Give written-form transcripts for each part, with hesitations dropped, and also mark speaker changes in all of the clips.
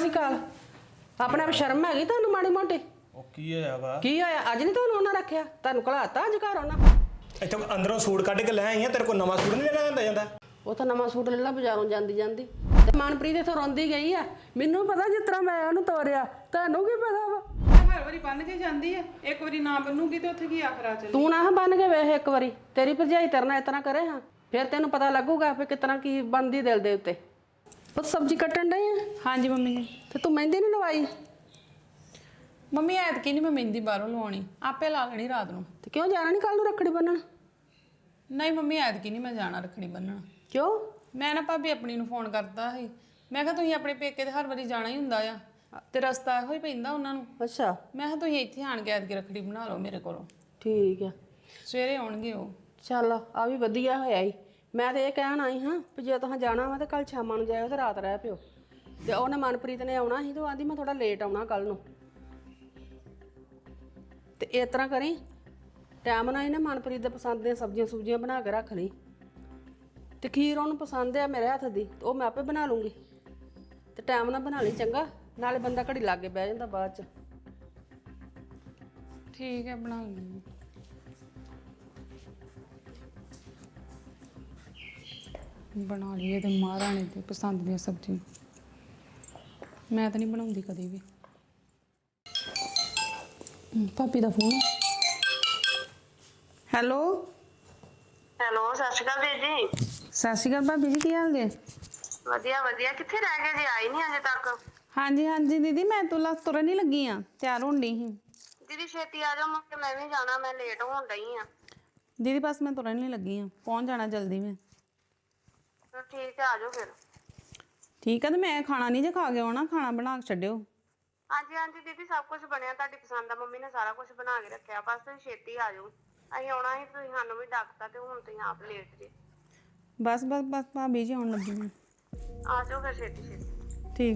Speaker 1: ਸ੍ਰੀ ਅਕਾਲ। ਆਪਣੇ ਆਪ ਸ਼ਰਮ ਹੈਗੀ ਤੁਹਾਨੂੰ ਮਾੜੀ ਮੋਟੀ?
Speaker 2: ਉਹ ਕੀ ਹੋਇਆ ਵਾ?
Speaker 1: ਕੀ ਹੋਇਆ? ਅੱਜ ਨਹੀਂ ਤੁਹਾਨੂੰ ਉਹਨਾਂ ਰੱਖਿਆ? ਤੁਹਾਨੂੰ ਘਲਾਤਾ ਅੱਜ ਘਰ ਉਹਨਾਂ?
Speaker 2: ਇੱਥੋਂ ਅੰਦਰੋਂ ਸੂਟ ਕੱਢ ਕੇ ਲੈ ਆਈ ਆ, ਤੇਰੇ ਕੋਲ ਨਵਾਂ ਸੂਟ ਨਹੀਂ ਲੈਣਾ ਹੁੰਦਾ ਜਾਂਦਾ?
Speaker 1: ਉਹ ਤਾਂ ਨਵਾਂ ਸੂਟ ਲੈ ਲਾ ਬਾਜ਼ਾਰੋਂ ਜਾਂਦੀ ਜਾਂਦੀ। ਤੇ ਮਨਪ੍ਰੀਤ ਇੱਥੋਂ ਰੋਂਦੀ ਗਈ ਆ। ਮੈਨੂੰ ਪਤਾ ਜਿਸ ਤਰ੍ਹਾਂ ਮੈਂ ਉਹਨੂੰ ਤੋਰਿਆ, ਤੁਹਾਨੂੰ ਕੀ ਪਤਾ ਵਾ?
Speaker 3: ਹਰ ਵਾਰੀ ਬੰਨ ਕੇ ਜਾਂਦੀ ਆ, ਇੱਕ ਵਾਰੀ ਨਾ ਬੰਨੂਗੀ ਤੇ ਉੱਥੇ ਕੀ ਆਖਰਾ ਚੱਲੀ।
Speaker 1: ਤੂੰ ਨਾ ਬੰਨ ਕੇ ਵੇਖ ਇੱਕ ਵਾਰੀ, ਤੇਰੀ ਭਰਜਾਈ ਤੇਰੇ ਨਾਲ ਇਤਨਾ ਕਰੇ ਹਾਂ, ਫਿਰ ਤੈਨੂੰ ਪਤਾ ਲੱਗੂਗਾ ਵੀ ਕਿਤਨਾ ਕੀ ਬਣਦੀ ਦਿਲ ਦੇ ਉੱਤੇ। ਪੁੱਤ ਸਬਜ਼ੀ ਕੱਟਣ ਡਈ ਆ?
Speaker 3: ਹਾਂਜੀ ਮੰਮੀ ਜੀ।
Speaker 1: ਤੇ ਤੂੰ ਮਹਿੰਦੀ ਨਹੀਂ ਲਵਾਈ?
Speaker 3: ਮੰਮੀ ਐਤਕੀ ਨਹੀਂ ਮੈਂ ਮਹਿੰਦੀ ਬਾਹਰੋਂ ਲਵਾਉਣੀ, ਆਪੇ ਲਾ ਲੈਣੀ ਰਾਤ ਨੂੰ।
Speaker 1: ਤੇ ਕਿਉਂ ਜਾਣਾ ਨਹੀਂ ਕੱਲ ਨੂੰ ਰੱਖੜੀ ਬੰਨਣ?
Speaker 3: ਨਹੀਂ ਮੰਮੀ ਐਤਕੀ ਨਹੀਂ ਮੈਂ ਜਾਣਾ ਰੱਖੜੀ ਬੰਨਣ।
Speaker 1: ਕਿਉਂ?
Speaker 3: ਮੈਂ ਨਾ ਭਾਬੀ ਆਪਣੀ ਨੂੰ ਫੋਨ ਕਰਤਾ ਸੀ, ਮੈਂ ਕਿਹਾ ਤੁਸੀਂ ਆਪਣੇ ਪੇਕੇ ਤੇ ਹਰ ਵਾਰੀ ਜਾਣਾ ਹੀ ਹੁੰਦਾ ਆ ਤੇ ਰਸਤਾ ਇਹੋ ਹੀ ਪੈਂਦਾ ਉਹਨਾਂ ਨੂੰ।
Speaker 1: ਅੱਛਾ
Speaker 3: ਮੈਂ ਕਿਹਾ ਤੁਸੀਂ ਇੱਥੇ ਆਣ ਕੇ ਐਤਕੀ ਰੱਖੜੀ ਬਣਾ ਲਓ ਮੇਰੇ ਕੋਲੋਂ,
Speaker 1: ਠੀਕ ਆ।
Speaker 3: ਸਵੇਰੇ ਆਉਣਗੇ ਉਹ।
Speaker 1: ਚੱਲ ਆ ਵੀ ਵਧੀਆ ਹੋਇਆ ਈ। ਮੈਂ ਤੇ ਇਹ ਕਹਿਣ ਆਈ ਹਾਂ ਵੀ ਜੇ ਤੁਸੀਂ ਜਾਣਾ ਵਾ ਤੇ ਕੱਲ ਸ਼ਾਮਾਂ ਨੂੰ ਜਾਇਓ ਤੇ ਰਾਤ ਰਹਿ ਪਿਓ। ਤੇ ਉਹਨੇ ਮਨਪ੍ਰੀਤ ਨੇ ਆਉਣਾ ਸੀ ਤੇ ਉਹ ਆਂਦੀ ਮੈਂ ਥੋੜਾ ਲੇਟ ਆਉਣਾ ਕੱਲ ਨੂੰ। ਤੇ ਇਸ ਤਰ੍ਹਾਂ ਕਰੀ, ਟਾਈਮ ਨਾਲ ਹੀ ਨਾ ਮਨਪ੍ਰੀਤ ਦੇ ਪਸੰਦ ਦੀਆਂ ਸਬਜ਼ੀਆਂ ਸੁਬਜ਼ੀਆਂ ਬਣਾ ਕੇ ਰੱਖ ਲਈ। ਤੇ ਖੀਰ ਉਹਨੂੰ ਪਸੰਦ ਆ ਮੇਰੇ ਹੱਥ ਦੀ, ਉਹ ਮੈਂ ਆਪੇ ਬਣਾ ਲੂੰਗੀ। ਤੇ ਟਾਈਮ ਨਾਲ ਬਣਾ ਲਈ ਚੰਗਾ, ਨਾਲੇ ਬੰਦਾ ਘੜੀ ਲਾਗੇ ਬਹਿ ਜਾਂਦਾ ਬਾਅਦ ਚ।
Speaker 3: ਠੀਕ ਹੈ ਬਣਾ ਲੂੰਗੀ। ਬਣਾ ਲਈਏ ਤੇ ਮਹਾਰਾਣੀ ਦੀ ਪਸੰਦ ਦੀਆਂ ਸਬਜ਼ੀ। ਮੈਂ ਤਾਂ ਨਹੀਂ ਬਣਾਉਂਦੀ ਕਦੇ ਵੀ। ਭਾਬੀ ਦਾ ਫੋਨ। ਹੈਲੋ
Speaker 4: ਹੈਲੋ, ਸਤਿ ਸ਼੍ਰੀ ਅਕਾਲ ਵੀਰ ਜੀ।
Speaker 3: ਸਤਿ ਸ਼੍ਰੀ ਅਕਾਲ ਭਾਬੀ ਜੀ, ਕੀ ਹਾਲ ਜੇ?
Speaker 4: ਵਧੀਆ ਵਧੀਆ। ਕਿੱਥੇ ਰਹਿ ਗਏ ਜੀ? ਆਈ ਨਹੀਂ ਅਜੇ ਤੱਕ।
Speaker 3: ਹਾਂਜੀ ਹਾਂਜੀ ਦੀਦੀ, ਮੈਂ ਤੁਰਨ ਹੀ ਲੱਗੀ ਆ, ਤਿਆਰ ਹੋਣ ਡਈ ਸੀ।
Speaker 4: ਦੀਦੀ ਛੇਤੀ ਆ ਜਾਓ, ਮੈਂ ਵੀ ਜਾਣਾ, ਮੈਂ ਲੇਟ ਹੋਣ ਡਈ ਆ।
Speaker 3: ਦੀਦੀ ਬਸ ਮੈਂ ਤੁਰਨ ਹੀ ਲੱਗੀ ਆ, ਪਹੁੰਚ ਜਾਣਾ ਜਲਦੀ ਮੈਂ।
Speaker 4: ਠੀਕ ਹੈ, ਆ ਜਾਓ ਫਿਰ।
Speaker 3: ਠੀਕ ਆ, ਤੇ ਮੈਂ ਖਾਣਾ ਨਹੀਂ ਜੇ ਖਾ ਕੇ ਆਉਣਾ, ਖਾਣਾ ਬਣਾ ਕੇ ਛੱਡਿਓ।
Speaker 4: ਹਾਂਜੀ ਹਾਂਜੀ ਦੀਦੀ, ਸਭ ਕੁਝ ਬਣਿਆ, ਤੁਹਾਡੀ ਪਸੰਦ ਦਾ ਮੰਮੀ ਨੇ ਸਾਰਾ ਕੁਝ ਬਣਾ ਕੇ ਰੱਖਿਆ, ਬਸ ਤੁਸੀਂ ਛੇਤੀ ਆ ਜਾਓ। ਅਸੀਂ ਆਉਣਾ ਸੀ, ਤੁਸੀਂ ਸਾਨੂੰ ਵੀ ਡੱਕਤਾ ਤੇ ਹੁਣ ਤੁਸੀਂ ਆਪ ਲੇਟ ਜੇ।
Speaker 3: ਬਸ ਬਸ ਬਸ ਭਾਬੀ ਜੀ ਆਉਣ ਲੱਗੀ ਮੈਂ।
Speaker 4: ਆ ਜਾਓ ਫਿਰ ਛੇਤੀ ਛੇਤੀ।
Speaker 3: ਠੀਕ।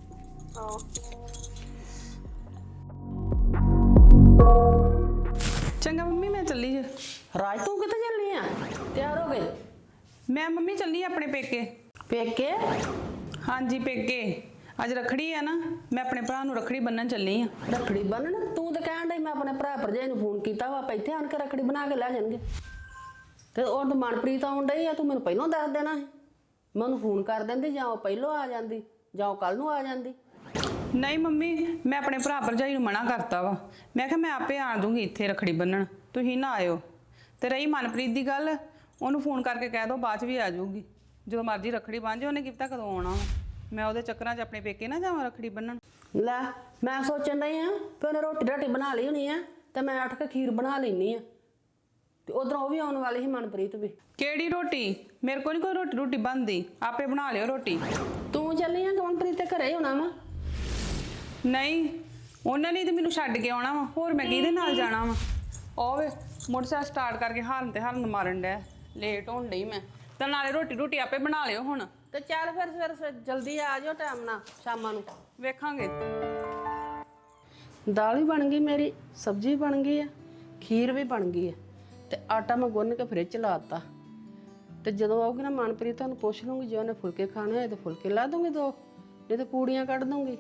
Speaker 3: ਚੰਗਾ ਮੰਮੀ, ਮੈਂ ਚੱਲੀ ਜੇ।
Speaker 1: ਰਾਜ ਤੂੰ ਕਿੱਥੇ ਚੱਲੀ ਆ? ਤਿਆਰ ਹੋ ਗਏ?
Speaker 3: ਮੈਂ ਮੰਮੀ ਚੱਲੀ ਆਪਣੇ ਪੇਕੇ।
Speaker 1: ਪੇਕੇ?
Speaker 3: ਹਾਂਜੀ ਪੇਕੇ। ਅੱਜ ਰੱਖੜੀ ਆ ਨਾ, ਮੈਂ ਆਪਣੇ ਭਰਾ ਨੂੰ ਰੱਖੜੀ ਬੰਨਣ ਚੱਲੀ ਆ।
Speaker 1: ਰੱਖੜੀ ਬੰਨਣ? ਤੂੰ ਤਾਂ ਕਹਿਣ ਡਈ ਮੈਂ ਆਪਣੇ ਭਰਾ ਭਰਜਾਈ ਨੂੰ ਫੋਨ ਕੀਤਾ ਵਾ, ਆਪਾਂ ਇੱਥੇ ਆਣ ਕੇ ਰੱਖੜੀ ਬਣਾ ਕੇ ਲੈ ਜਾਣਗੇ। ਤੇ ਉਹ ਤਾਂ ਮਨਪ੍ਰੀਤ ਆਉਣ ਡਈ ਆ, ਤੂੰ ਮੈਨੂੰ ਪਹਿਲਾਂ ਦੱਸ ਦੇਣਾ ਸੀ। ਮੈਂ ਉਹਨੂੰ ਫੋਨ ਕਰ ਦਿੰਦੀ, ਜਾਂ ਉਹ ਪਹਿਲਾਂ ਆ ਜਾਂਦੀ ਜਾਂ ਉਹ ਕੱਲ ਨੂੰ ਆ ਜਾਂਦੀ।
Speaker 3: ਨਹੀਂ ਮੰਮੀ, ਮੈਂ ਆਪਣੇ ਭਰਾ ਭਰਜਾਈ ਨੂੰ ਮਨਾ ਕਰਤਾ ਵਾ। ਮੈਂ ਕਿਹਾ ਮੈਂ ਆਪੇ ਆ ਦੂੰਗੀ ਇੱਥੇ ਰੱਖੜੀ ਬੰਨਣ, ਤੁਸੀਂ ਨਾ ਆਇਓ। ਤੇ ਰਹੀ ਮਨਪ੍ਰੀਤ ਦੀ ਗੱਲ, ਉਹਨੂੰ ਫੋਨ ਕਰਕੇ ਕਹਿ ਦਿਓ ਬਾਅਦ 'ਚ ਵੀ ਆ ਜਾਊਗੀ, ਜਦੋਂ ਮਰਜ਼ੀ ਰੱਖੜੀ ਬੰਨ੍ਹ ਜੇ। ਉਹਨੇ ਕੀ ਪਤਾ ਕਦੋਂ ਆਉਣਾ ਵਾ, ਮੈਂ ਉਹਦੇ ਚੱਕਰਾਂ 'ਚ ਆਪਣੇ ਪੇਕੇ ਨਾ ਜਾਵਾਂ ਰੱਖੜੀ ਬੰਨਣ।
Speaker 1: ਲੈ ਮੈਂ ਸੋਚਣ ਡਈ ਆ ਵੀ ਉਹਨੇ ਰੋਟੀ ਬਣਾ ਲਈ ਹੋਣੀ ਆ, ਤੇ ਮੈਂ ਉੱਠ ਕੇ ਖੀਰ ਬਣਾ ਲੈਣੀ ਆ। ਤੇ ਉਧਰੋਂ ਉਹ ਵੀ ਆਉਣ ਵਾਲੀ ਸੀ ਮਨਪ੍ਰੀਤ ਵੀ।
Speaker 3: ਕਿਹੜੀ ਰੋਟੀ? ਮੇਰੇ ਕੋਲ ਨਹੀਂ ਕੋਈ ਰੋਟੀ ਬਣਦੀ, ਆਪੇ ਬਣਾ ਲਿਓ ਰੋਟੀ।
Speaker 1: ਤੂੰ ਚੱਲੀ ਆ ਮਨਪ੍ਰੀਤ ਤੇ ਘਰੇ ਹੀ ਹੋਣਾ ਵਾ?
Speaker 3: ਨਹੀਂ, ਉਹਨਾਂ ਨੇ ਤੇ ਮੈਨੂੰ ਛੱਡ ਕੇ ਆਉਣਾ ਵਾ, ਹੋਰ ਮੈਂ ਕਿਹਦੇ ਨਾਲ ਜਾਣਾ ਵਾ? ਉਹ ਵੇ ਮੋਟਰਸਾਈਕਲ ਸਟਾਰਟ ਕਰਕੇ ਹਾਰਨ ਤੇ ਹਾਰਨ ਮਾਰਨ ਡਿਆ, ਲੇਟ ਹੋਣ ਡਈ ਮੈਂ। ਤੇ ਨਾਲੇ ਰੋਟੀ ਆਪੇ ਬਣਾ ਲਿਓ ਹੁਣ।
Speaker 1: ਤੇ ਚੱਲ ਫਿਰ ਸਵੇਰੇ ਜਲਦੀ ਆ ਜਾਓ ਟਾਈਮ ਨਾਲ, ਸ਼ਾਮਾਂ ਨੂੰ
Speaker 3: ਵੇਖਾਂਗੇ।
Speaker 1: ਦਾਲ ਵੀ ਬਣ ਗਈ ਮੇਰੀ, ਸਬਜ਼ੀ ਬਣ ਗਈ ਆ, ਖੀਰ ਵੀ ਬਣ ਗਈ ਆ, ਤੇ ਆਟਾ ਮੈਂ ਗੁੰਨ ਕੇ ਫਰਿੱਜ 'ਚ ਲਾ ਦਿੱਤਾ। ਤੇ ਜਦੋਂ ਆਊਗੀ ਨਾ ਮਨਪ੍ਰੀਤ, ਤੁਹਾਨੂੰ ਪੁੱਛ ਲੂੰਗੀ, ਜੇ ਉਹਨੇ ਫੁਲਕੇ ਖਾਣੇ ਹੋਏ ਤੇ ਫੁਲਕੇ ਲਾ ਦੂੰਗੀ 2, ਨਹੀਂ ਤੇ ਪੂੜੀਆਂ ਕੱਢ ਦੂੰਗੀ।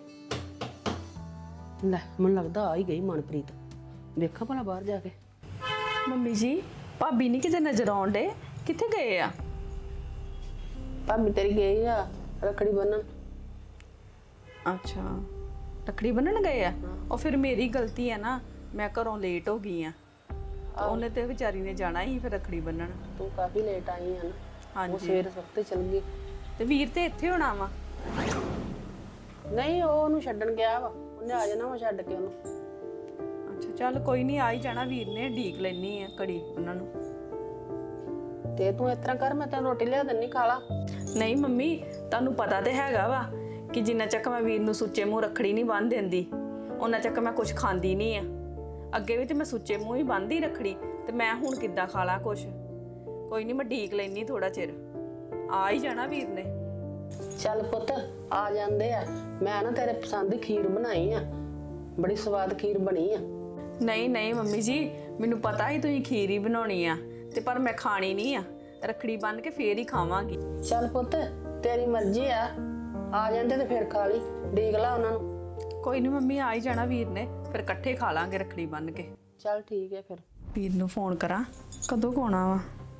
Speaker 1: ਲੈ ਮੈਨੂੰ ਲੱਗਦਾ ਆ ਹੀ ਗਈ ਮਨਪ੍ਰੀਤ, ਵੇਖਾਂ ਭਲਾ ਬਾਹਰ ਜਾ ਕੇ।
Speaker 5: ਮੰਮੀ ਜੀ, ਭਾਬੀ ਨਹੀਂ ਕਿਤੇ ਨਜ਼ਰ ਆਉਣ ਡੇ, ਕਿੱਥੇ ਗਏ ਆ?
Speaker 1: ਭਾਬੀ ਤੇਰੀ ਗਈ ਆ ਰੱਖੜੀ ਬੰਨਣ।
Speaker 5: ਅੱਛਾ, ਰੱਖੜੀ ਬੰਨਣ ਗਏ ਆ। ਉਹ ਫਿਰ ਮੇਰੀ ਗਲਤੀ ਹੈ ਨਾ, ਮੈਂ ਘਰੋਂ ਲੇਟ ਹੋ ਗਈ ਆ। ਉਹਨੇ ਤੇ ਵਿਚਾਰੀ ਨੇ ਜਾਣਾ ਹੀ ਫਿਰ ਰੱਖੜੀ ਬੰਨਣ।
Speaker 1: ਤੂੰ ਕਾਫੀ ਲੇਟ ਆਈ ਆ ਨਾ।
Speaker 5: ਹਾਂਜੀ।
Speaker 1: ਉਹ ਸਵੇਰ ਵਕਤ ਚਲ ਗਈ।
Speaker 5: ਤੇ ਵੀਰ ਤੇ ਇੱਥੇ ਹੋਣਾ ਵਾ।
Speaker 1: ਨਹੀਂ, ਉਹ ਉਹਨੂੰ ਛੱਡਣ ਗਿਆ ਵਾ, ਉਹਨੇ ਆ ਜਾਣਾ ਵਾ ਛੱਡ ਕੇ ਉਹਨੂੰ।
Speaker 5: ਅੱਛਾ ਚੱਲ ਕੋਈ ਨਹੀਂ, ਆ ਹੀ ਜਾਣਾ ਵੀਰ ਨੇ, ਢੀਕ ਲੈਣੀ ਆ ਘੜੀ ਉਹਨਾਂ ਨੂੰ।
Speaker 1: ਤੇ ਤੂੰ ਇਸ ਤਰ੍ਹਾਂ ਕਰ, ਮੈਂ ਤੈਨੂੰ ਰੋਟੀ ਲਿਆ ਦਿੰਨੀ, ਖਾ ਲਾ।
Speaker 5: ਨਹੀਂ ਮੰਮੀ, ਤੁਹਾਨੂੰ ਪਤਾ ਤੇ ਹੈਗਾ ਵਾ ਕਿ ਜਿੰਨਾ ਚੱਕ ਮੈਂ ਵੀਰ ਨੂੰ ਸੁੱਚੇ ਮੂੰਹ ਰੱਖੜੀ ਨਹੀਂ ਬੰਨ੍ਹ ਦਿੰਦੀ, ਉਹਨਾਂ ਚੱਕ ਮੈਂ ਕੁਝ ਖਾਂਦੀ ਨਹੀਂ ਆ। ਅੱਗੇ ਵੀ ਤੇ ਮੈਂ ਸੁੱਚੇ ਮੂੰਹ ਹੀ ਬੰਨ੍ਹਦੀ ਰੱਖੜੀ, ਤੇ ਮੈਂ ਹੁਣ ਕਿੱਦਾਂ ਖਾ ਲਾਂ ਕੁਛ? ਕੋਈ ਨਹੀਂ, ਮੈਂ ਢੀਕ ਲੈਣੀ ਥੋੜਾ ਚਿਰ, ਆ ਹੀ ਜਾਣਾ ਵੀਰ ਨੇ।
Speaker 1: ਚੱਲ ਪੁੱਤ, ਆ ਜਾਂਦੇ ਆ। ਮੈਂ ਨਾ ਤੇਰੇ ਪਸੰਦ ਦੀ ਖੀਰ ਬਣਾਈ ਆ, ਬੜੀ ਸਵਾਦ ਖੀਰ ਬਣੀ ਆ।
Speaker 5: ਨਹੀਂ ਨਹੀਂ ਮੰਮੀ ਜੀ, ਮੈਨੂੰ ਪਤਾ ਹੀ ਤੁਸੀਂ ਖੀਰ ਹੀ ਬਣਾਉਣੀ ਆ, ਤੇ ਪਰ ਮੈਂ ਖਾਣੀ ਨਹੀਂ ਆ, ਰੱਖੜੀ ਬੰਨ੍ਹ ਕੇ ਫੇਰ ਹੀ ਖਾਵਾਂਗੀ।
Speaker 1: ਚੱਲ ਪੁੱਤ, ਤੇਰੀ ਮਰਜ਼ੀ ਆ, ਆ ਜਾਂਦੇ ਤੇ ਫਿਰ ਖਾ ਲਈ, ਡੀਕ ਲਾ ਉਹਨਾਂ ਨੂੰ।
Speaker 5: ਕੋਈ ਨਹੀਂ ਮੰਮੀ, ਆ ਹੀ ਜਾਣਾ ਵੀਰ ਨੇ, ਫਿਰ ਇਕੱਠੇ ਖਾ ਲਾਂਗੇ ਰੱਖੜੀ ਬੰਨ ਕੇ।
Speaker 1: ਚੱਲ ਠੀਕ ਹੈ ਫਿਰ।
Speaker 5: ਵੀਰ ਨੂੰ ਫੋਨ ਕਰਾਂ, ਕਦੋਂ ਕੁ ਆਉਣਾ ਵਾ?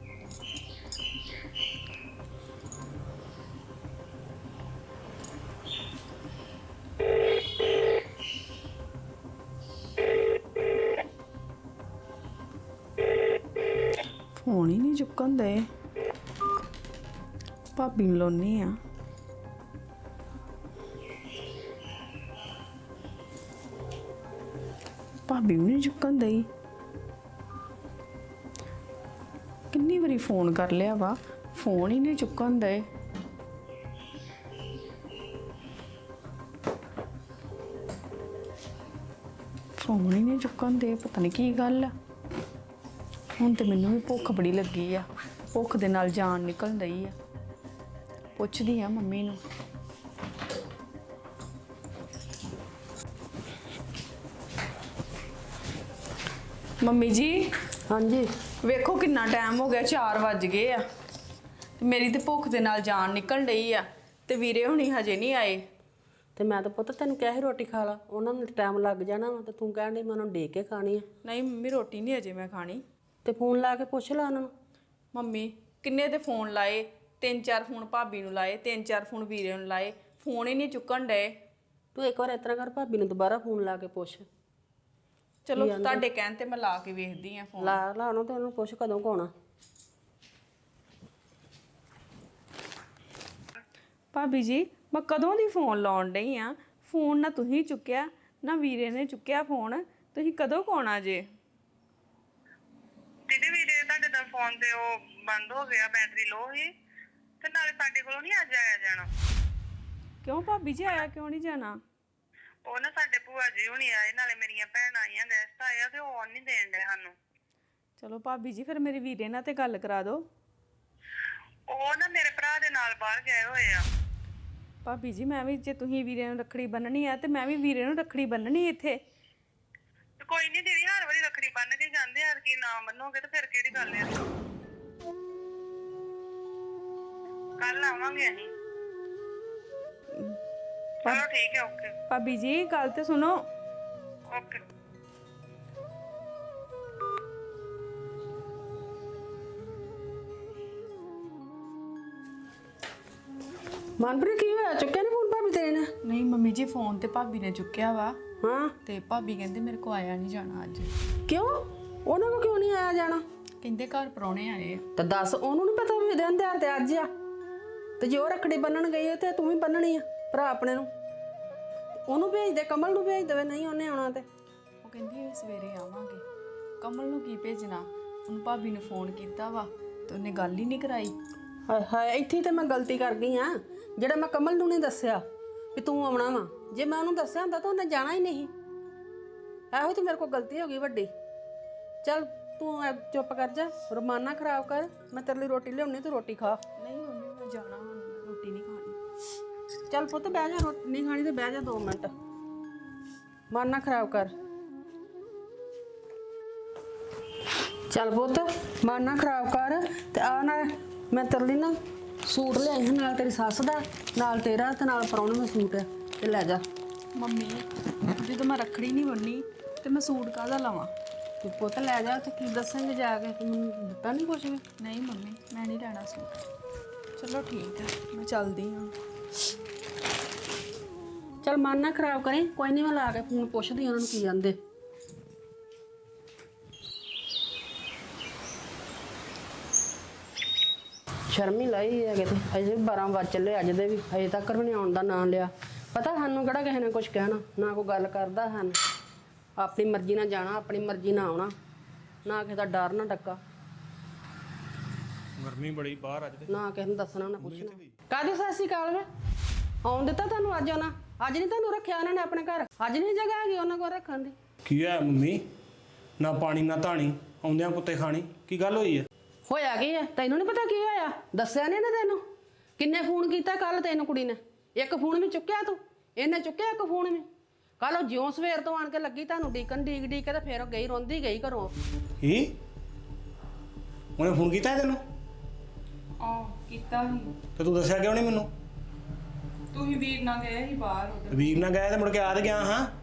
Speaker 5: ਫੋਨ ਹੀ ਨਹੀਂ ਚੁੱਕਣ ਦੇ। ਭਾਬੀ ਨੂੰ ਲਾਉਣੀ ਆ। ਭਾਬੀ ਵੀ ਨਹੀਂ ਚੁੱਕਣ ਦਈ। ਕਿੰਨੀ ਵਾਰੀ ਫੋਨ ਕਰ ਲਿਆ ਵਾ, ਫੋਨ ਹੀ ਨਹੀਂ ਚੁੱਕਣ ਦੇ। ਫੋਨ ਹੀ ਨਹੀਂ ਚੁੱਕਣ ਦੇ, ਪਤਾ ਨਹੀਂ ਕੀ ਗੱਲ ਆ। ਹੁਣ ਤੇ ਮੈਨੂੰ ਵੀ ਭੁੱਖ ਬੜੀ ਲੱਗੀ ਆ, ਭੁੱਖ ਦੇ ਨਾਲ ਜਾਨ ਨਿਕਲ ਰਹੀ ਆ। ਪੁੱਛਦੀ ਆ ਮੰਮੀ ਨੂੰ। ਮੰਮੀ ਜੀ,
Speaker 1: ਹਾਂਜੀ।
Speaker 5: ਵੇਖੋ ਕਿੰਨਾ ਟਾਈਮ ਹੋ ਗਿਆ, 4 ਵੱਜ ਗਏ ਆ ਤੇ ਮੇਰੀ ਤੇ ਭੁੱਖ ਦੇ ਨਾਲ ਜਾਨ ਨਿਕਲ ਰਹੀ ਆ ਤੇ ਵੀਰੇ ਹੁਣੀ ਹਜੇ ਨਹੀਂ ਆਏ।
Speaker 1: ਤੇ ਮੈਂ ਤਾਂ ਪੁੱਤ ਤੈਨੂੰ ਕਿਹਾ ਸੀ ਰੋਟੀ ਖਾ ਲਾ, ਉਹਨਾਂ ਨੂੰ ਟਾਈਮ ਲੱਗ ਜਾਣਾ ਵਾ, ਤੇ ਤੂੰ ਕਹਿਣ ਡਈ ਮੈਂ ਉਹਨਾਂ ਨੂੰ ਡੇ ਕੇ ਖਾਣੀ ਆ।
Speaker 5: ਨਹੀਂ ਮੰਮੀ, ਰੋਟੀ ਨਹੀਂ ਅਜੇ ਮੈਂ ਖਾਣੀ।
Speaker 1: ਤੇ ਫੋਨ ਲਾ ਕੇ ਪੁੱਛ ਲਾ ਉਹਨਾਂ ਨੂੰ।
Speaker 5: ਮੰਮੀ ਕਿੰਨੇ ਤੇ ਫੋਨ ਲਾਏ, 3-4 ਫੋਨ ਭਾਬੀ ਨੂੰ ਲਾਏ, 3-4 ਫੋਨ ਵੀਰੇ ਨੂੰ ਲਾਏ, ਫੋਨ ਹੀ ਨਹੀਂ ਚੁੱਕਣ ਡਏ।
Speaker 1: ਤੂੰ ਇੱਕ ਵਾਰ ਇਸ ਤਰ੍ਹਾਂ ਕਰ, ਭਾਬੀ ਨੂੰ ਦੁਬਾਰਾ ਫੋਨ ਲਾ ਕੇ ਪੁੱਛ।
Speaker 5: ਚਲੋ ਤੁਹਾਡੇ ਕਹਿਣ ਤੇ ਮੈਂ ਲਾ ਕੇ ਵੇਖਦੀ ਆ ਫੋਨ।
Speaker 1: ਲਾ ਉਹਨੂੰ ਤੇ ਉਹਨੂੰ ਪੁੱਛ ਕਦੋਂ ਕੁ ਆਉਣਾ।
Speaker 5: ਭਾਬੀ ਜੀ, ਮੈਂ ਕਦੋਂ ਦੀ ਫੋਨ ਲਾਉਣ ਡਈ ਆ, ਫੋਨ ਨਾ ਤੁਸੀਂ ਚੁੱਕਿਆ ਨਾ ਵੀਰੇ ਨੇ ਚੁੱਕਿਆ ਫੋਨ। ਤੁਸੀਂ ਕਦੋਂ ਕੁ ਆਉਣਾ ਜੇ?
Speaker 4: ਦੀਦੀ ਵੀਰੇ ਤੁਹਾਡੇ ਦਾ ਫੋਨ ਤੇ ਉਹ ਬੰਦ ਹੋ ਗਿਆ, ਬੈਟਰੀ ਲੋ ਸੀ, ਤੇ ਨਾਲੇ ਸਾਡੇ ਕੋਲੋਂ ਨਹੀਂ ਅੱਜ ਆਇਆ ਜਾਣਾ।
Speaker 5: ਕਿਉਂ ਭਾਬੀ ਜੀ, ਆਇਆ ਕਿਉਂ ਨਹੀਂ ਜਾਣਾ?
Speaker 4: ਉਹ ਨਾ ਸਾਡੇ ਭੂਆ ਜੀ ਹੁਣੀ ਆਏ, ਨਾਲੇ ਮੇਰੀਆਂ ਭੈਣਾਂ ਆਈਆਂ, ਗੈਸਟ ਆਏ ਆ, ਤੇ ਉਹ ਆਉਣ ਨਹੀਂ ਦੇਣ ਡਏ ਸਾਨੂੰ।
Speaker 5: ਚਲੋ ਭਾਬੀ ਜੀ, ਫਿਰ ਮੇਰੇ ਵੀਰੇ ਨਾਲ ਤੇ ਗੱਲ ਕਰਾ ਦਿਓ।
Speaker 4: ਉਹ ਨਾ ਮੇਰੇ ਭਰਾ ਦੇ ਨਾਲ ਬਾਹਰ ਗਏ ਹੋਏ ਆ।
Speaker 5: ਭਾਬੀ ਜੀ, ਮੈਂ ਵੀ ਜੇ ਤੁਸੀਂ ਵੀਰੇ ਨੂੰ ਰੱਖੜੀ ਬੰਨਣੀ ਆ ਤੇ ਮੈਂ ਵੀ ਵੀਰੇ ਨੂੰ ਰੱਖੜੀ ਬੰਨਣੀ ਇੱਥੇ।
Speaker 4: ਤੇ ਕੋਈ ਨਹੀਂ ਦੀਦੀ, ਹਰ ਵਾਰੀ ਰੱਖੜੀ ਬੰਨ ਕੇ ਜਾਂਦੇ ਆ, ਕਿ ਨਾ ਬੰਨੋਗੇ ਤੇ ਫਿਰ ਕਿਹੜੀ ਗੱਲ ਆ। ਕੱਲ ਆਵਾਂਗੇ ਅਸੀਂ। ਚਲੋ ਠੀਕ ਹੈ, ਓਕੇ।
Speaker 5: ਭਾਬੀ ਜੀ, ਗੱਲ ਤੇ ਸੁਣੋ।
Speaker 4: ਓਕੇ।
Speaker 1: ਮਨਪ੍ਰੀਤ ਕੀ ਹੋਇਆ, ਚੁੱਕਿਆ ਨਹੀਂ ਫੋਨ ਭਾਬੀ ਤੇਰੇ ਨੇ?
Speaker 5: ਨਹੀਂ ਮੰਮੀ ਜੀ, ਫੋਨ ਤੇ ਭਾਬੀ ਨੇ ਚੁੱਕਿਆ ਵਾ
Speaker 1: ਹਾਂ।
Speaker 5: ਤੇ ਭਾਬੀ ਕਹਿੰਦੇ ਮੇਰੇ ਕੋ ਆਇਆ ਨਹੀਂ ਜਾਣਾ ਅੱਜ।
Speaker 1: ਕਿਉਂ? ਉਹਨਾਂ ਕੋ ਕਿਉਂ ਨਹੀਂ ਆਇਆ ਜਾਣਾ?
Speaker 5: ਕਹਿੰਦੇ ਘਰ ਪਰੌਣੇ ਆਏ ਆ।
Speaker 1: ਤਾਂ ਦੱਸ, ਉਹਨੂੰ ਨਹੀਂ ਪਤਾ ਵੀ ਦਿਨ ਤਿਉਹਾਰ ਤੇ ਅੱਜ ਆ? ਤੇ ਜੇ ਉਹ ਰੱਖੜੀ ਬੰਨਣ ਗਈ ਹੈ ਤੇ ਤੂੰ ਵੀ ਬੰਨਣੀ ਆ ਭਰਾ ਆਪਣੇ ਨੂੰ। ਉਹਨੂੰ ਭੇਜ ਦੇ, ਕਮਲ ਨੂੰ ਭੇਜ ਦੇਵੇ, ਨਹੀਂ ਉਹਨੇ ਆਉਣਾ ਤੇ।
Speaker 5: ਉਹ ਕਹਿੰਦੀ ਸਵੇਰੇ ਆਵਾਂਗੇ। ਕਮਲ ਨੂੰ ਕੀ ਭੇਜਣਾ, ਉਹਨੂੰ ਭਾਬੀ ਨੇ ਫੋਨ ਕੀਤਾ ਵਾ ਤੇ ਉਹਨੇ ਗੱਲ ਹੀ ਨਹੀਂ ਕਰਾਈ।
Speaker 1: ਹਾਏ ਹਾਏ, ਇੱਥੇ ਤੇ ਮੈਂ ਗਲਤੀ ਕਰ ਗਈ ਆ, ਜਿਹੜਾ ਮੈਂ ਕਮਲ ਨੂੰ ਨਹੀਂ ਦੱਸਿਆ ਵੀ ਤੂੰ ਆਉਣਾ ਵਾ। ਜੇ ਮੈਂ ਉਹਨੂੰ ਦੱਸਿਆ ਹੁੰਦਾ ਤਾਂ ਉਹਨੇ ਜਾਣਾ ਹੀ ਨਹੀਂ। ਇਹੋ ਤੇ ਮੇਰੇ ਕੋਲ ਗਲਤੀ ਹੋ ਗਈ ਵੱਡੀ। ਚੱਲ ਤੂੰ ਚੁੱਪ ਕਰ ਜਾ, ਰਮਾਨਾ ਖਰਾਬ ਕਰ। ਮੈਂ ਤੇਰੇ ਲਈ ਰੋਟੀ ਲਿਆਉਣੀ, ਤੂੰ ਰੋਟੀ ਖਾ।
Speaker 5: ਨਹੀਂ ਮੰਮੀ, ਮੈਂ ਜਾਣਾ ਹੁਣ, ਰੋਟੀ ਨਹੀਂ ਖਾਣੀ।
Speaker 1: ਚੱਲ ਪੁੱਤ ਬਹਿ ਜਾ, ਰੋਟੀ ਨਹੀਂ ਖਾਣੀ ਤੇ ਬਹਿ ਜਾ 2 ਮਿੰਟ। ਮਨ ਨਾ ਖਰਾਬ ਕਰ। ਚੱਲ ਪੁੱਤ, ਮਨ ਨਾ ਖਰਾਬ ਕਰ। ਤੇ ਆ ਨਾ ਮੈਂ ਤੇਰੇ ਲਈ ਨਾ ਸੂਟ ਲਿਆਈ ਹਾਂ, ਨਾਲ ਤੇਰੀ ਸੱਸ ਦਾ, ਨਾਲ ਤੇਰਾ, ਤੇ ਨਾਲ ਪ੍ਰਾਹੁਣੇ ਦਾ ਸੂਟ ਹੈ, ਤੇ ਲੈ ਜਾ।
Speaker 5: ਮੰਮੀ, ਜਦੋਂ ਮੈਂ ਰੱਖੜੀ ਨਹੀਂ ਬੰਨੀ ਤੇ ਮੈਂ ਸੂਟ ਕਾਹਦਾ ਲਵਾਂ?
Speaker 1: ਤੂੰ ਪੁੱਤ ਲੈ ਜਾ, ਤੇ ਕੀ ਦੱਸਾਂਗੇ ਜਾ ਕੇ? ਤੂੰ ਮੈਨੂੰ ਦਿੱਤਾ ਨਹੀਂ ਕੁਛ ਵੀ?
Speaker 5: ਨਹੀਂ ਮੰਮੀ, ਮੈਂ ਨਹੀਂ ਲੈਣਾ ਸੂਟ। ਚਲੋ ਠੀਕ ਹੈ, ਮੈਂ ਚੱਲਦੀ ਹਾਂ।
Speaker 1: ਚੱਲ ਮਨ ਨਾ ਖਰਾਬ ਕਰੀ, ਕੋਈ ਨਹੀਂ, ਮੈਂ ਲਾ ਕੇ ਫੋਨ ਪੁੱਛਦੀ ਉਹਨਾਂ ਨੂੰ ਕੀ ਜਾਂਦੇ। ਸ਼ਰਮੀ ਲਾਈ ਹੈ ਕਿਤੇ, ਅਜੇ 12 ਵਜ ਚੱਲੇ ਅੱਜ ਦੇ ਵੀ, ਅਜੇ ਤੱਕ ਵੀ ਨਹੀਂ ਆਉਣ ਦਾ ਨਾਂ ਲਿਆ। ਪਤਾ ਸਾਨੂੰ ਕਿਹੜਾ ਕਿਸੇ ਨੇ ਕੁਝ ਕਹਿਣਾ, ਨਾ ਕੋਈ ਗੱਲ ਕਰਦਾ ਹਨ। ਆਪਣੀ ਮਰਜ਼ੀ ਨਾਲ ਜਾਣਾ, ਆਪਣੀ ਮਰਜ਼ੀ ਨਾਲ ਆਉਣਾ, ਨਾ ਕਿਸੇ ਦਾ ਡਰ ਨਾ ਡੱਕਾ,
Speaker 2: ਗਰਮੀ ਬੜੀ ਬਾਹਰ ਅੱਜ ਤੇ।
Speaker 1: ਨਾ ਕਿਸੇ ਨੂੰ ਦੱਸਣਾ ਨਾ ਪੁੱਛਣਾ। ਕਾਹਦੀ ਸਤਿ ਸ਼੍ਰੀ ਅਕਾਲ ਵੇ? ਆਉਣ ਦਿੱਤਾ ਤੁਹਾਨੂੰ ਅੱਜ ਉਹਨਾਂ? ਅੱਜ ਨਹੀਂ ਤੁਹਾਨੂੰ ਰੱਖਿਆ ਉਹਨਾਂ ਨੇ ਆਪਣੇ ਘਰ? ਅੱਜ ਨਹੀਂ ਜਗ੍ਹਾ ਹੈਗੀ ਉਹਨਾਂ ਕੋਲ ਰੱਖਣ ਦੀ?
Speaker 2: ਕੀ ਹੋਇਆ ਮੰਮੀ? ਨਾ ਪਾਣੀ ਨਾ ਧਾਣੀ, ਆਉਂਦਿਆਂ ਕੁੱਤੇ ਖਾਣੀ, ਕੀ ਗੱਲ ਹੋਈ ਹੈ?
Speaker 1: ਹੋਇਆ ਕੀ ਹੈ? ਤੈਨੂੰ ਨਹੀਂ ਪਤਾ ਕੀ ਹੋਇਆ? ਦੱਸਿਆ ਨਹੀਂ ਨਾ ਤੈਨੂੰ? ਕਿੰਨੇ ਫੋਨ ਕੀਤਾ ਕੱਲ ਤੈਨੂੰ ਕੁੜੀ ਨੇ? ਇੱਕ ਫੋਨ ਵੀ ਚੁੱਕਿਆ ਤੂੰ? ਇਹਨੇ ਚੁੱਕਿਆ ਇੱਕ ਫੋਨ ਵੀ? ਕੱਲ ਉਹ ਜਿਉਂ ਸਵੇਰ ਤੋਂ ਆਣ ਕੇ ਲੱਗੀ ਤੁਹਾਨੂੰ ਡੀਕਣ, ਡੀਕ ਕੇ, ਤੇ ਫਿਰ ਉਹ ਗਈ, ਰੋਂਦੀ ਗਈ ਘਰੋਂ।
Speaker 2: ਕੀ? ਉਹਨੇ ਫੋਨ ਕੀਤਾ ਤੈਨੂੰ?
Speaker 5: ਕੀਤਾ ਸੀ।
Speaker 2: ਤੇ ਤੂੰ ਦੱਸਿਆ ਕਿਉਂ ਨਹੀਂ ਮੈਨੂੰ?
Speaker 3: ਤੁਸੀਂ ਵੀਰ ਨਾਲ ਗਏ ਸੀ ਬਾਹਰ ਉਧਰ,
Speaker 2: ਵੀਰ ਨਾਲ ਗਿਆ ਤੇ ਮੁੜ ਕੇ ਆ ਤੇ ਗਿਆ ਹਾਂ।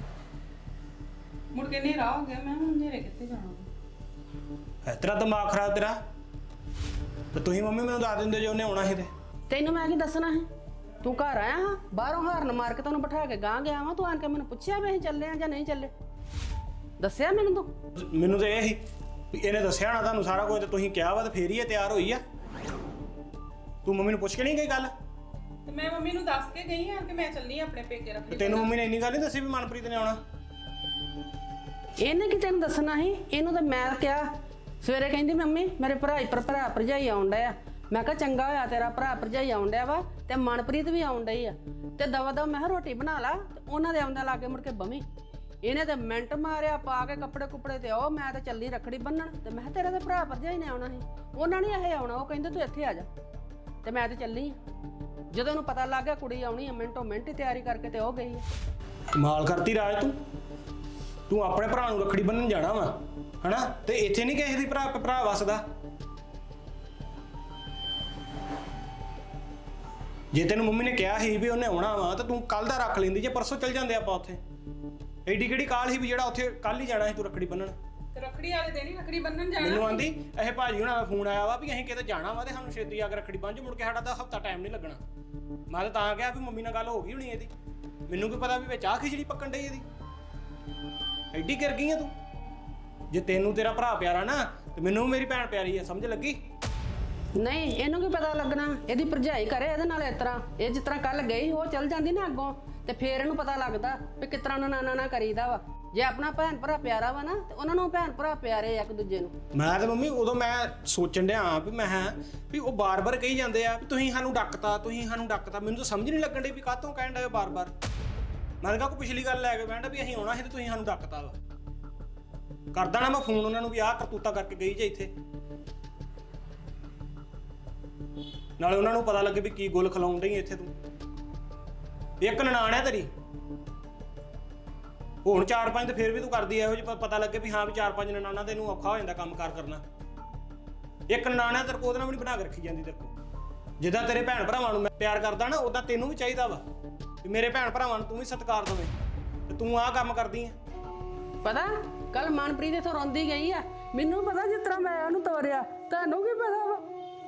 Speaker 3: ਮੁੜ ਕੇ ਹਨੇਰਾ ਹੋ ਗਿਆ। ਮੈਂ ਹੁਣ ਹਨੇਰੇ ਕਿੱਥੇ ਜਾਣਾ?
Speaker 2: ਤੇਰਾ ਦਿਮਾਗ ਖਰਾਬ ਤੇਰਾ। ਤੇ ਤੁਸੀਂ ਮੰਮੀ ਮੈਨੂੰ ਦੱਸ ਦਿੰਦੇ ਜੇ ਉਹਨੇ ਆਉਣਾ ਸੀ ਤੇ।
Speaker 1: ਤੈਨੂੰ ਮੈਂ ਕੀ ਦੱਸਣਾ ਹੈ? ਤੂੰ ਘਰ ਆਇਆ ਹਾਂ, ਬਾਹਰੋਂ ਹਾਰਨ ਮਾਰ ਕੇ ਤੈਨੂੰ ਬਿਠਾ ਕੇ ਗਾਂ ਗਿਆ ਵਾਂ, ਤੂੰ ਆਣ ਕੇ ਮੈਨੂੰ ਪੁੱਛਿਆ ਵੀ ਅਸੀਂ ਚੱਲੇ ਆ ਜਾਂ ਨਹੀਂ ਚੱਲੇ? ਦੱਸਿਆ ਮੈਨੂੰ ਤੂੰ?
Speaker 2: ਮੈਨੂੰ ਤੇ ਇਹ ਸੀ ਵੀ ਇਹਨੇ ਦੱਸਿਆ ਨਾ ਤੁਹਾਨੂੰ ਸਾਰਾ ਕੁਝ, ਤੇ ਤੁਸੀਂ ਕਿਹਾ ਵਾ ਤੇ ਫੇਰ ਹੀ ਇਹ ਤਿਆਰ ਹੋਈ ਆ। ਤੂੰ ਮੰਮੀ ਨੂੰ ਪੁੱਛ ਕੇ ਨਹੀਂ ਗਈ ਗੱਲ?
Speaker 3: ਤੇ ਮੈਂ ਮੰਮੀ ਨੂੰ ਦੱਸ ਕੇ ਗਈ ਆ ਕਿ ਮੈਂ ਚੱਲੀ ਆ ਆਪਣੇ ਪੇਕੇ
Speaker 2: ਤੇ
Speaker 3: ਰੱਖੜੀ।
Speaker 2: ਤੈਨੂੰ ਮੰਮੀ ਨੇ ਇੰਨੀ ਗੱਲ ਨਹੀਂ ਦੱਸੀ ਵੀ ਮਨਪ੍ਰੀਤ ਨੇ ਆਉਣਾ?
Speaker 1: ਇਹਨੇ ਕੀ ਤੈਨੂੰ ਦੱਸਣਾ ਸੀ? ਇਹਨੂੰ ਤਾਂ ਮੈਂ ਕਿਹਾ ਸਵੇਰੇ, ਕਹਿੰਦੀ ਮੰਮੀ ਮੇਰੇ ਭਰਾ ਭਰਜਾਈ ਆਉਣ ਡਿਆ। ਮੈਂ ਕਿਹਾ ਚੰਗਾ ਹੋਇਆ ਤੇਰਾ ਭਰਾ ਭਰਜਾਈ ਆਉਣ ਡਿਆ ਵਾ ਤੇ ਮਨਪ੍ਰੀਤ ਵੀ ਆਉਣ ਡਈ ਆ, ਤੇ ਦਵਾ ਦਵਾ ਮੈਂ ਕਿਹਾ ਰੋਟੀ ਬਣਾ ਲਾ ਤੇ ਉਹਨਾਂ ਦੇ ਆਉਂਦੇ ਲਾਗੇ ਮੁੜ ਕੇ ਬਵੀਂ। ਇਹਨੇ ਤੇ ਮਿੰਟ ਮਾਰਿਆ ਪਾ ਕੇ ਕੱਪੜੇ ਕੁਪੜੇ ਤੇ ਉਹ ਮੈਂ ਤਾਂ ਚੱਲੀ ਰੱਖੜੀ ਬੰਨਣ, ਤੇ ਮੈਂ ਕਿਹਾ ਤੇਰੇ ਦੇ ਭਰਾ ਭਰਜਾਈ ਨੇ ਆਉਣਾ ਸੀ, ਉਹਨਾਂ ਨੇ ਇਹ ਆਉਣਾ। ਉਹ ਕਹਿੰਦੇ ਤੂੰ ਇੱਥੇ ਆ ਜਾ, ਤੇ ਮੈਂ ਤੇ ਚੱਲੀ ਆ। ਜਦੋਂ ਉਹਨੂੰ ਪਤਾ ਲੱਗ ਗਿਆ ਕੁੜੀ ਆਉਣੀ ਆ, ਮਿੰਟੋ ਮਿੰਟ ਹੀ ਤਿਆਰੀ ਕਰਕੇ ਤੇ ਉਹ ਗਈ ਆ।
Speaker 2: ਕਮਾਲ ਕਰਤੀ ਰਾਜ ਤੂੰ ਆਪਣੇ ਭਰਾ ਨੂੰ ਰੱਖੜੀ ਬੰਨਣ ਜਾਣਾ ਵਾ ਹਨਾ, ਤੇ ਇੱਥੇ ਨਹੀਂ ਕਿਸੇ ਦੀ ਭਰਾ ਵਸਦਾ। ਜੇ ਤੈਨੂੰ ਮੰਮੀ ਨੇ ਕਿਹਾ ਸੀ ਵੀ ਉਹਨੇ ਆਉਣਾ ਵਾ ਤਾਂ ਤੂੰ ਕੱਲ ਦਾ ਰੱਖ ਲੈਂਦੀ, ਜੇ ਪਰਸੋਂ ਚੱਲ ਜਾਂਦੇ ਆਪਾਂ ਉੱਥੇ। ਐਡੀ ਕਿਹੜੀ ਕਾਲ ਸੀ ਵੀ ਜਿਹੜਾ ਉੱਥੇ ਕੱਲ ਹੀ ਜਾਣਾ ਸੀ ਤੂੰ ਰੱਖੜੀ ਬੰਨਣ?
Speaker 3: ਤੇ ਰੱਖੜੀ ਵਾਲੇ ਦਿਨ ਹੀ ਰੱਖੜੀ ਬੰਨਣ ਜਾਣਾ।
Speaker 2: ਮੈਨੂੰ ਆਂਦੀ ਇਹ ਭਾਜੀ ਹੁਣਾਂ ਦਾ ਫੋਨ ਆਇਆ ਵਾ ਵੀ ਅਸੀਂ ਕਿਤੇ ਜਾਣਾ ਵਾ ਤੇ ਸਾਨੂੰ ਛੇਤੀ ਆ ਕੇ ਰੱਖੜੀ ਬੰਨ੍ਹ, ਮੁੜ ਕੇ ਸਾਡਾ ਤਾਂ ਹਫਤਾ ਟਾਈਮ ਨਹੀਂ ਲੱਗਣਾ। ਮੈਂ ਤਾਂ ਕਿਹਾ ਵੀ ਮੰਮੀ ਨਾਲ ਗੱਲ ਹੋ ਗਈ ਹੋਣੀ ਇਹਦੀ, ਮੈਨੂੰ ਕੀ ਪਤਾ ਵੀ ਵਿੱਚ ਆ ਖਿਚੜੀ ਪੱਕਣ ਡਈ ਇਹਦੀ। ਐਡੀ ਗਿਰ ਗਈ ਆ ਤੂੰ। ਜੇ ਤੈਨੂੰ ਤੇਰਾ ਭਰਾ ਪਿਆਰਾ ਨਾ ਤੇ ਮੈਨੂੰ ਮੇਰੀ ਭੈਣ ਪਿਆਰੀ ਆ, ਸਮਝ ਲੱਗੀ?
Speaker 1: ਨਹੀਂ, ਇਹਨੂੰ ਕੀ ਪਤਾ ਲੱਗਣਾ? ਇਹਦੀ ਭਰਜਾਈ ਕਰੇ ਇਹਦੇ ਨਾਲ ਇਸ ਤਰ੍ਹਾਂ। ਇਹ ਜਿਸ ਤਰ੍ਹਾਂ ਕੱਲ ਗਈ ਉਹ ਚੱਲ ਜਾਂਦੀ ਨਾ ਅੱਗੋਂ, ਤੇ ਫੇਰ ਇਹਨੂੰ ਪਤਾ ਲੱਗਦਾ ਵੀ ਕਿਸ ਤਰ੍ਹਾਂ ਨਾਨਾ ਕਰੀਦਾ ਵਾ। ਜੇ ਆਪਣਾ ਭੈਣ ਭਰਾ ਪਿਆਰਾ ਵਾ ਨਾ ਤੇ ਉਹਨਾਂ ਨੂੰ ਭੈਣ ਭਰਾ ਪਿਆਰੇ ਆ ਇੱਕ ਦੂਜੇ ਨੂੰ।
Speaker 2: ਮੈਂ ਤੇ ਮੰਮੀ ਉਦੋਂ ਮੈਂ ਸੋਚਣ ਡਿਆ ਵੀ ਮੈਂ ਵੀ ਉਹ ਬਾਰ-ਬਾਰ ਕਹੀ ਜਾਂਦੇ ਆ ਵੀ ਤੁਸੀਂ ਸਾਨੂੰ ਡੱਕਤਾ, ਤੁਸੀਂ ਸਾਨੂੰ ਡੱਕਤਾ। ਮੈਨੂੰ ਤਾਂ ਸਮਝ ਨਹੀਂ ਲੱਗਣ ਡਈ ਵੀ ਕਾਹਤੋਂ ਕਹਿਣ ਡਏ ਬਾਰ-ਬਾਰ। ਮੈਂ ਤਾਂ ਕੋਈ ਪਿਛਲੀ ਗੱਲ ਲੈ ਕੇ ਬੈਠਾ ਵੀ ਅਸੀਂ ਆਉਣਾ ਸੀ ਤੇ ਤੁਸੀਂ ਸਾਨੂੰ ਡੱਕਤਾ ਵਾ। ਕਰਦਾ ਨਾ ਮੈਂ ਫੋਨ ਉਹਨਾਂ ਨੂੰ ਵੀ ਆਹ ਕਰਤੂਤਾ ਕਰਕੇ ਗਈ ਜੇ ਇੱਥੇ, ਨਾਲੇ ਉਹਨਾਂ ਨੂੰ ਪਤਾ ਲੱਗੇ ਵੀ ਕੀ ਗੁੱਲ ਖਿਲਾਉਣ ਡਈ ਇੱਥੇ ਤੂੰ। ਇੱਕ ਨਨਾਣ ਆ ਤੇਰੀ, ਹੁਣ 4-5 ਤੇ ਫਿਰ ਵੀ ਤੂੰ ਕਰਦੀ ਇਹੋ ਜਿਹੀ, ਪਤਾ ਲੱਗੇ ਵੀ ਹਾਂ ਵੀ 4-5 ਨਨਾਣਾਂ ਤੇ ਇਹਨੂੰ ਔਖਾ ਹੋ ਜਾਂਦਾ ਕੰਮਕਾਰ ਕਰਨਾ। ਇੱਕ ਨਨਾਣ ਆ ਤੇਰੇ ਕੋਲ, ਉਹਦੇ ਨਾਲ ਵੀ ਨਹੀਂ ਬਣਾ ਕੇ ਰੱਖੀ ਜਾਂਦੀ ਤੇਰੇ ਕੋਲ। ਜਿੱਦਾਂ ਤੇਰੇ ਭੈਣ ਭਰਾਵਾਂ ਨੂੰ ਮੈਂ ਪਿਆਰ ਕਰਦਾ ਨਾ, ਉਦਾਂ ਤੈਨੂੰ ਵੀ ਚਾਹੀਦਾ ਵਾ ਵੀ ਮੇਰੇ ਭੈਣ ਭਰਾਵਾਂ ਨੂੰ ਤੂੰ ਵੀ ਸਤਿਕਾਰ ਦੇਵੇਂ, ਤੇ ਤੂੰ ਆਹ ਕੰਮ ਕਰਦੀ ਆ।
Speaker 1: ਪਤਾ ਕੱਲ ਮਨਪ੍ਰੀਤ ਇੱਥੋਂ ਰੋਂਦੀ ਗਈ ਆ, ਮੈਨੂੰ ਪਤਾ ਜਿਸ ਤਰ੍ਹਾਂ ਮੈਂ ਉਹਨੂੰ ਤੋਰਿਆ, ਤੁਹਾਨੂੰ ਕੀ ਪਤਾ ਵਾ?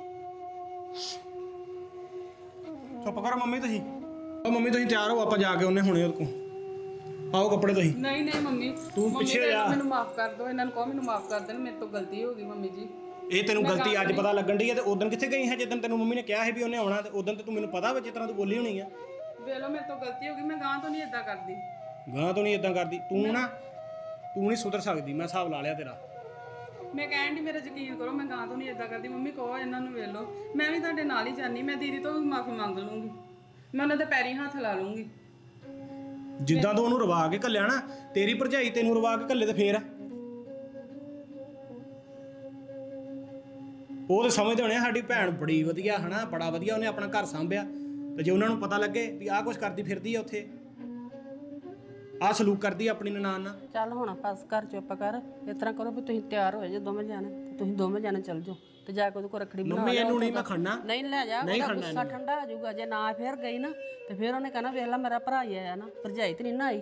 Speaker 2: ਚੁੱਪ ਕਰੋ ਮੰਮੀ ਤੁਸੀਂ। ਉਹ ਮੰਮੀ ਤੁਸੀਂ ਤਿਆਰ ਹੋ, ਆਪਾਂ ਜਾ ਕੇ ਉਹਨੇ ਹੁਣੇ ਉਹਦੇ ਕੋਲ ਪਾਓ ਕੱਪੜੇ ਤੁਸੀਂ।
Speaker 3: ਨਹੀਂ ਨਹੀਂ ਮੰਮੀ,
Speaker 2: ਤੂੰ ਪਿੱਛੇ ਜਾ।
Speaker 3: ਮੈਨੂੰ ਮਾਫ ਕਰ ਦਿਓ, ਇਹਨਾਂ ਨੂੰ ਕਹੋ ਮੈਨੂੰ ਮਾਫ ਕਰ ਦੇਣ, ਮੇਰੇ ਤੋਂ ਗਲਤੀ ਹੋ ਗਈ ਮੰਮੀ ਜੀ।
Speaker 2: ਇਹ ਤੈਨੂੰ ਗਲਤੀ ਅੱਜ ਪਤਾ ਲੱਗਣ ਡਈ ਹੈ, ਤੇ ਉਦੋਂ ਕਿੱਥੇ ਗਈ ਹੈ ਜਿੱਦਣ ਤੈਨੂੰ ਮੰਮੀ ਨੇ ਕਿਹਾ ਸੀ ਵੀ ਉਹਨੇ ਆਉਣਾ, ਤੇ ਉਦੋਂ ਤੇ ਤੂੰ ਮੈਨੂੰ ਪਤਾ ਵਾ ਜਿਸ ਤਰ੍ਹਾਂ ਤੂੰ ਬੋਲੀ ਹੋਣੀ ਆ।
Speaker 3: ਵੇਖ ਲਓ ਮੇਰੇ ਤੋਂ ਗਲਤੀ ਹੋ ਗਈ, ਮੈਂ ਗਾਂ ਤੋਂ ਨਹੀਂ ਇਦਾਂ ਕਰਦੀ।
Speaker 2: ਗਾਂ ਤੋਂ ਨਹੀਂ ਇਦਾਂ ਕਰਦੀ ਤੂੰ ਨਾ, ਤੂੰ ਨਹੀਂ ਸੁਧਰ ਸਕਦੀ। ਮੈਂ ਹਿਸਾਬ ਲਾ ਲਿਆ ਤੇਰਾ।
Speaker 3: ਮੈਂ ਕਹਿਣ ਦੀ ਮੇਰਾ ਯਕੀਨ ਕਰੋ, ਮੈਂ ਗਾਂ ਤੋਂ ਨਹੀਂ ਇਦਾਂ ਕਰਦੀ। ਮੰਮੀ ਕਹੋ ਇਹਨਾਂ ਨੂੰ, ਵੇਖ ਲਓ ਮੈਂ ਵੀ ਤੁਹਾਡੇ ਨਾਲ ਹੀ ਜਾਨੀ, ਮੈਂ ਦੀਦੀ ਤੋਂ ਵੀ ਮਾਫੀ ਮੰਗ ਲੂੰਗੀ, ਮੈਂ ਉਹਨਾਂ ਦੇ ਪੈਰੀਂ ਹੱਥ ਲਾ ਲੂੰਗੀ।
Speaker 2: ਜਿੱਦਾਂ ਤੂੰ ਉਹਨੂੰ ਰਵਾ ਕੇ ਘੱਲਿਆ ਨਾ, ਤੇਰੀ ਭਰਜਾਈ ਤੈਨੂੰ ਰਵਾ ਕੇ ਘੱਲੇ ਤੇ ਫੇਰ ਉਹ ਤੇ ਸਮਝਦੇ ਹੋਣੇ ਸਾਡੀ ਭੈਣ ਬੜੀ ਵਧੀਆ ਹਨਾ, ਬੜਾ ਵਧੀਆ ਉਹਨੇ ਆਪਣਾ ਘਰ ਸੰਭਿਆ। ਤੇ ਜੇ ਉਹਨਾਂ ਨੂੰ ਪਤਾ ਲੱਗੇ ਵੀ ਆਹ ਕੁਛ ਕਰਦੀ ਫਿਰਦੀ ਆ ਉੱਥੇ, ਆਹ ਸਲੂਕ ਕਰਦੀ ਆਪਣੀ ਨਨਾਣ ਨਾਲ।
Speaker 1: ਚੱਲ ਹੁਣ ਬਸ ਕਰ, ਚੁੱਪ ਕਰ। ਇਸ ਤਰ੍ਹਾਂ ਕਰੋ ਵੀ ਤੁਸੀਂ ਤਿਆਰ ਹੋਏ ਜੇ ਦੋਵੇਂ ਜਾਣੇ, ਤੇ ਤੁਸੀਂ ਦੋਵੇਂ ਜਾਣੇ ਚੱਲ ਜਾਓ ਤੇ ਜਾ ਕੇ ਉਹਦੇ ਕੋਲ ਰੱਖੜੀ ਬਣਾ
Speaker 2: ਮੰਮੀ ਇਹਨੂੰ ਨਹੀਂ ਮੈਂ ਖੜਨਾ।
Speaker 1: ਨਹੀਂ ਲੈ ਜਾ, ਉਹਦਾ ਗੁੱਸਾ ਠੰਡਾ ਹੋ ਜਾਊਗਾ। ਜੇ ਨਾ ਫੇਰ ਗਈ ਨਾ ਤੇ ਫੇਰ ਉਹਨੇ ਕਹਿਣਾ ਵੇਖ ਲੈ ਮੇਰਾ ਭਰਾ ਹੀ ਆਇਆ ਨਾ, ਭਰਜਾਈ ਤੇ ਨਹੀਂ ਨਾ ਆਈ।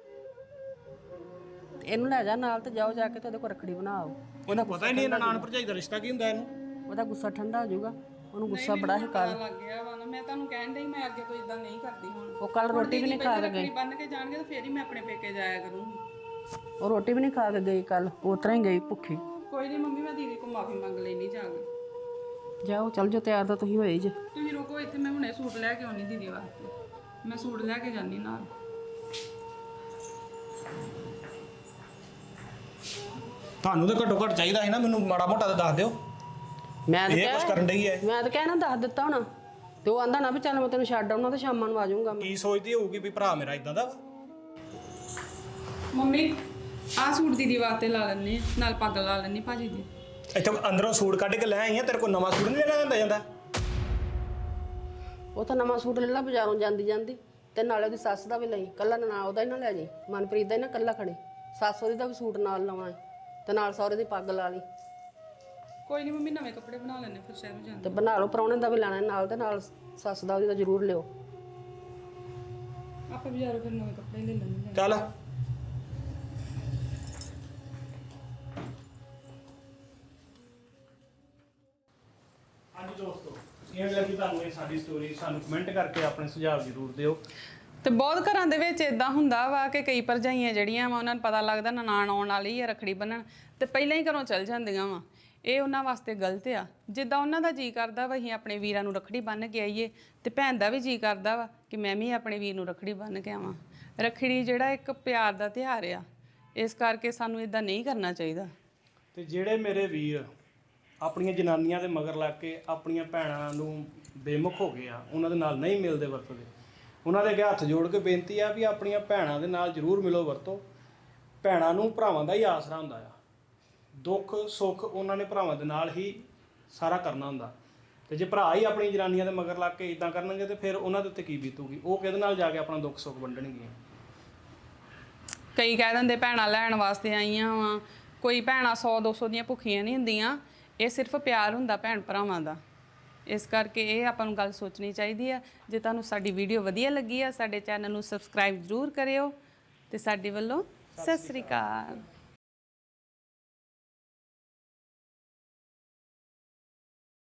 Speaker 1: ਤੇ ਇਹਨੂੰ ਲੈ ਜਾ ਨਾਲ ਤੇ ਜਾਓ, ਜਾ ਕੇ ਤੇ ਉਹਦੇ ਕੋਲ ਰੱਖੜੀ ਬਣਾਓ।
Speaker 2: ਉਹਨੂੰ ਪਤਾ ਹੀ ਨਹੀਂ ਨਨਾਣ ਭਰਜਾਈ ਦਾ ਰਿਸ਼ਤਾ ਕੀ ਹੁੰਦਾ ਇਹਨੂੰ।
Speaker 1: ਉਹਦਾ ਗੁੱਸਾ ਠੰਡਾ ਹੋ ਜਾਊਗਾ, ਉਹਨੂੰ ਗੁੱਸਾ ਬੜਾ ਹੈ ਕੱਲ।
Speaker 3: ਲੱਗ ਗਿਆ ਵਾ ਨਾ, ਮੈਂ ਤੁਹਾਨੂੰ ਕਹਿਣ ਡਈ ਮੈਂ ਅੱਗੇ ਤੋਂ ਇਦਾਂ ਨਹੀਂ ਕਰਦੀ। ਹੁਣ
Speaker 1: ਉਹ ਕੱਲ ਰੋਟੀ ਵੀ ਨਹੀਂ ਖਾ ਕੇ ਗਈ,
Speaker 3: ਬੰਨ ਕੇ ਜਾਣਗੇ ਤਾਂ ਫੇਰ ਹੀ ਮੈਂ ਆਪਣੇ ਪੇਕੇ ਜਾਇਆ ਕਰੂੰਗੀ।
Speaker 1: ਉਹ ਰੋਟੀ ਵੀ ਨਹੀਂ ਖਾ ਕੇ ਗਈ ਕੱਲ, ਉਸ ਤਰ੍ਹਾਂ ਹੀ ਗਈ ਭੁੱਖੀ।
Speaker 3: ਕੋਈ ਨਹੀਂ ਮੰਮੀ, ਮੈਂ ਦੀਦੀ ਕੋਲ ਮਾਫੀ ਮੰਗ ਲੈਣੀ ਜਾ ਕੇ।
Speaker 1: ਜਾਓ ਚੱਲ ਜਾਓ, ਤਿਆਰ ਤਾਂ ਤੁਸੀਂ ਹੋਏ ਜੇ।
Speaker 3: ਤੁਸੀਂ ਰੁਕੋ ਇੱਥੇ, ਮੈਂ ਹੁਣੇ ਸੂਟ ਲੈ ਕੇ ਆਉਣੀ ਦੀਦੀ ਵਾਸਤੇ। ਮੈਂ ਸੂਟ ਲੈ ਕੇ ਜਾਨੀ ਨਾਲ।
Speaker 2: ਤੁਹਾਨੂੰ ਤਾਂ ਘੱਟੋ ਘੱਟ ਚਾਹੀਦਾ ਸੀ ਨਾ ਮੈਨੂੰ ਮਾੜਾ ਮੋਟਾ ਤਾਂ ਦੱਸ ਦਿਓ।
Speaker 1: ਮੈਂ ਤਾਂ
Speaker 2: ਇਹ ਕੁਛ ਕਰਨ ਡਈ ਹੈ।
Speaker 1: ਮੈਂ ਤਾਂ ਕਹਿਣਾ ਦੱਸ ਦਿੱਤਾ ਹੋਣਾ, ਤੇ ਉਹ ਆਂਦਾ ਨਾ ਵੀ ਚੱਲ ਮੈਂ ਤੈਨੂੰ ਛੱਡ ਆਉਣਾ ਤੇ ਸ਼ਾਮਾਂ ਨੂੰ ਆ ਜਾਊਂਗਾ ਮੈਂ।
Speaker 2: ਕੀ ਸੋਚਦੀ ਹੋਊਗੀ ਵੀ ਭਰਾ ਮੇਰਾ ਇਦਾਂ ਦਾ ਵਾ?
Speaker 3: ਮੰਮੀ ਆਹ ਸੂਟ ਦੀਦੀ ਵਾਸਤੇ ਲਾ ਲੈਣੇ, ਨਾਲ ਪੱਗ ਲਾ ਲੈਣੀ ਭਾਜੀ ਦੀ।
Speaker 2: ਇੱਥੇ ਅੰਦਰੋਂ ਸੂਟ ਕੱਢ ਕੇ ਲੈ ਆਈ ਆ, ਤੇਰੇ ਕੋਲ ਨਵਾਂ ਸੂਟ ਨਹੀਂ ਲੈਣਾ ਹੁੰਦਾ ਜਾਂਦਾ?
Speaker 1: ਉਹ ਤਾਂ ਨਵਾਂ ਸੂਟ ਲੈ ਲਾ ਬਾਜ਼ਾਰੋਂ ਜਾਂਦੀ ਤੇ ਨਾਲੇ ਉਹਦੀ ਸੱਸ ਦਾ ਵੀ ਲਈ, ਕੱਲਾ ਨਾ ਉਹਦਾ ਹੀ ਨਾ ਲੈ ਜੀ, ਮਨਪ੍ਰੀਤ ਦਾ ਹੀ ਨਾ ਕੱਲਾ ਖੜੇ। ਸੱਸ ਉਹਦੀ ਦਾ ਵੀ ਸੂਟ ਨਾਲ ਲਾਉਣਾ ਤੇ ਨਾਲ ਸਹੁਰੇ ਦੀ ਪੱਗ ਲਾ ਲਈ।
Speaker 3: ਕੋਈ ਨਹੀਂ ਮੰਮੀ, ਨਵੇਂ ਕੱਪੜੇ ਬਣਾ ਲੈਣੇ ਫਿਰ ਸ਼ਹਿਰ ਜਾਂਦੇ।
Speaker 1: ਤੇ ਬਣਾ ਲਓ, ਪ੍ਰਾਹੁਣੇ ਦਾ ਵੀ ਲੈਣਾ ਨਾਲ, ਤੇ ਨਾਲ ਸੱਸ ਦਾ ਉਹਦੀ ਦਾ ਜ਼ਰੂਰ ਲਿਓ।
Speaker 3: ਆਪਾਂ ਬਾਜ਼ਾਰੋਂ ਫਿਰ ਨਵੇਂ ਕੱਪੜੇ ਲੈ ਲੈਣੇ।
Speaker 2: ਚੱਲ ਹਾਂਜੀ ਦੋਸਤੋ, ਕਿਵੇਂ ਲੱਗੀ ਤੁਹਾਨੂੰ ਇਹ ਸਾਡੀ ਸਟੋਰੀ? ਸਾਨੂੰ ਕਮੈਂਟ ਕਰਕੇ ਆਪਣੇ ਸੁਝਾਅ ਜ਼ਰੂਰ ਦਿਓ।
Speaker 3: ਤੇ ਬਹੁਤ ਘਰਾਂ ਦੇ ਵਿੱਚ ਇਦਾਂ ਹੁੰਦਾ ਵਾ ਕਿ ਕਈ ਭਰਜਾਈਆਂ ਜਿਹੜੀਆਂ ਵਾ ਉਹਨਾਂ ਨੂੰ ਪਤਾ ਲੱਗਦਾ ਨਨਾਣ ਆਉਣ ਵਾਲੀ ਆ ਰੱਖੜੀ ਬੰਨਣ ਤੇ ਪਹਿਲਾਂ ਹੀ ਘਰੋਂ ਚਲ ਜਾਂਦੀਆਂ ਵਾ। ਇਹ ਉਹਨਾਂ ਵਾਸਤੇ ਗਲਤ ਆ। ਜਿੱਦਾਂ ਉਹਨਾਂ ਦਾ ਜੀ ਕਰਦਾ ਵਾ ਅਸੀਂ ਆਪਣੇ ਵੀਰਾਂ ਨੂੰ ਰੱਖੜੀ ਬੰਨ੍ਹ ਕੇ ਆਈਏ ਤੇ ਭੈਣ ਦਾ ਵੀ ਜੀ ਕਰਦਾ ਵਾ ਕਿ ਮੈਂ ਵੀ ਆਪਣੇ ਵੀਰ ਨੂੰ ਰੱਖੜੀ ਬੰਨ੍ਹ ਕੇ ਆਵਾਂ। ਰੱਖੜੀ ਜਿਹੜਾ ਇੱਕ ਪਿਆਰ ਦਾ ਤਿਉਹਾਰ ਆ, ਇਸ ਕਰਕੇ ਸਾਨੂੰ ਇਦਾਂ ਨਹੀਂ ਕਰਨਾ ਚਾਹੀਦਾ।
Speaker 2: ਤੇ ਜਿਹੜੇ ਮੇਰੇ ਵੀਰ ਆਪਣੀਆਂ ਜਨਾਨੀਆਂ ਦੇ ਮਗਰ ਲੱਗ ਕੇ ਆਪਣੀਆਂ ਭੈਣਾਂ ਨੂੰ ਬੇਮੁਖ ਹੋ ਗਏ ਆ, ਉਹਨਾਂ ਦੇ ਨਾਲ ਨਹੀਂ ਮਿਲਦੇ ਵਰਤਦੇ, ਉਹਨਾਂ ਦੇ ਅੱਗੇ ਹੱਥ ਜੋੜ ਕੇ ਬੇਨਤੀ ਆ ਵੀ ਆਪਣੀਆਂ ਭੈਣਾਂ ਦੇ ਨਾਲ ਜ਼ਰੂਰ ਮਿਲੋ ਵਰਤੋ। ਭੈਣਾਂ ਨੂੰ ਭਰਾਵਾਂ ਦਾ ਹੀ ਆਸਰਾ ਹੁੰਦਾ ਆ। ਦੁੱਖ ਸੁੱਖ ਉਹਨਾਂ ਨੇ ਭਰਾਵਾਂ ਦੇ ਨਾਲ ਹੀ ਸਾਰਾ ਕਰਨਾ ਹੁੰਦਾ। ਤੇ ਜੇ ਭਰਾ ਹੀ ਆਪਣੀ ਜਨਾਨੀਆਂ ਦੇ ਮਗਰ ਲੱਗ ਕੇ ਇਦਾਂ ਕਰਨਗੇ ਤੇ ਫਿਰ ਉਹਨਾਂ ਦੇ ਉੱਤੇ ਕੀ ਬੀਤੂਗੀ? ਉਹ ਕਿਹਦੇ ਨਾਲ ਜਾ ਕੇ ਆਪਣਾ ਦੁੱਖ ਸੁੱਖ ਵੰਡਣਗੀਆਂ?
Speaker 3: ਕਈ ਕਹਿ ਦਿੰਦੇ ਭੈਣਾਂ ਲੈਣ ਵਾਸਤੇ ਆਈਆਂ ਵਾ। ਕੋਈ ਭੈਣਾਂ 100-200 ਦੀਆਂ ਭੁੱਖੀਆਂ ਨਹੀਂ ਹੁੰਦੀਆਂ। ਇਹ ਸਿਰਫ ਪਿਆਰ ਹੁੰਦਾ ਭੈਣ ਭਰਾਵਾਂ ਦਾ। ਇਸ ਕਰਕੇ ਇਹ ਆਪਾਂ ਨੂੰ ਗੱਲ ਸੋਚਣੀ ਚਾਹੀਦੀ ਆ। ਜੇ ਤੁਹਾਨੂੰ ਸਾਡੀ ਵੀਡੀਓ ਵਧੀਆ ਲੱਗੀ ਆ, ਸਾਡੇ ਚੈਨਲ ਨੂੰ ਸਬਸਕ੍ਰਾਈਬ ਜ਼ਰੂਰ ਕਰਿਓ ਤੇ ਸਾਡੇ ਵੱਲੋਂ ਸਤਿ ਸ੍ਰੀ ਅਕਾਲ।